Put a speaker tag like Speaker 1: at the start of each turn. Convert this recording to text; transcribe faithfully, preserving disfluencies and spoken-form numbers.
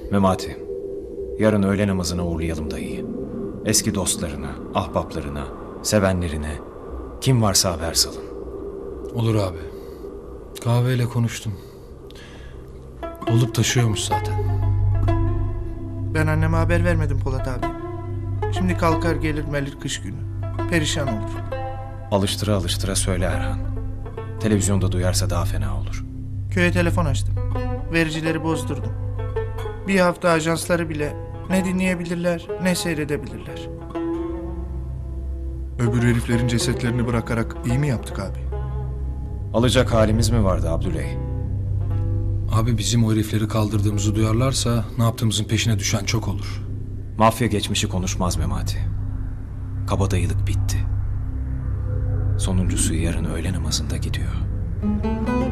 Speaker 1: Memati, yarın öğle namazına uğurlayalım dayıyı. Eski dostlarına, ahbaplarına, sevenlerine, kim varsa haber salın.
Speaker 2: Olur abi. Kahveyle konuştum. Dolup taşıyormuş zaten.
Speaker 3: Ben anneme haber vermedim Polat abi. Şimdi kalkar gelir melir kış günü. Perişan olur.
Speaker 1: Alıştıra alıştıra söyle Erhan. Televizyonda duyarsa daha fena olur.
Speaker 3: Köye telefon açtım. Vericileri bozdurdum. Bir hafta ajansları bile ne dinleyebilirler ne seyredebilirler.
Speaker 4: Öbür heriflerin cesetlerini bırakarak iyi mi yaptık abi?
Speaker 1: Alacak halimiz mi vardı Abdüley?
Speaker 2: Abi bizim o herifleri kaldırdığımızı duyarlarsa ne yaptığımızın peşine düşen çok olur.
Speaker 1: Mafya geçmişi konuşmaz Memati. Kabadayılık bitti. Sonuncusu yarın öğle namazında gidiyor.